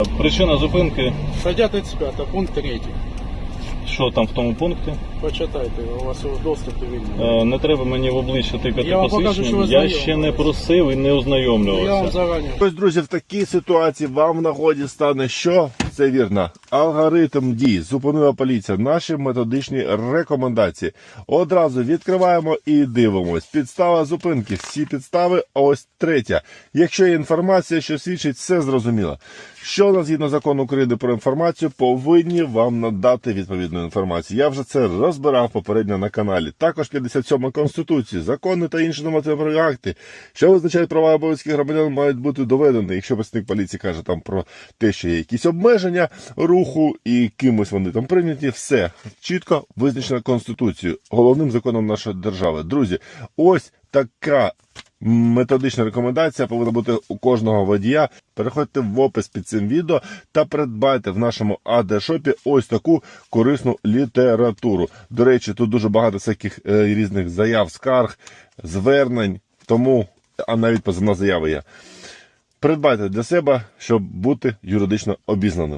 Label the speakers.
Speaker 1: Причина зупинки,
Speaker 2: Стаття 35, пункт 3.
Speaker 1: що там в тому пункті?
Speaker 2: Почитайте, у вас його доступ вільний.
Speaker 1: Не треба мені в обличчя тикати
Speaker 2: Я вам покажу, що ви
Speaker 1: посвідченням. Я
Speaker 2: знайомі.
Speaker 1: ще не просив і не
Speaker 2: Я вам
Speaker 1: ознайомлювався.
Speaker 2: зарані.
Speaker 3: Ось, друзі, в такій ситуації вам в нагоді стане що? Це вірно. Алгоритм дій. Зупинила поліція. Наші методичні рекомендації. Одразу відкриваємо і дивимось. Підстава зупинки. Всі підстави. Ось третя. Якщо є інформація, що свідчить, все зрозуміло. Що у нас згідно закону України про інформацію, повинні вам надати відповідну інформацію. Я вже це розбирав попередньо на каналі. Також 57 Конституції, закони та інші нормативні акти, що визначають права і обов'язки громадян, мають бути доведені. Якщо представник поліції каже там про те, що є якісь обмеження руху і кимось вони там прийняті, все чітко визначено Конституцією, головним законом нашої держави. Друзі, ось така методична рекомендація повинна бути у кожного водія. Переходьте в опис під цим відео та придбайте в нашому АД-шопі ось таку корисну літературу. До речі, тут дуже багато всяких різних заяв, скарг, звернень, тому, а навіть позовна заява є. Придбайте для себе, щоб бути юридично обізнаним.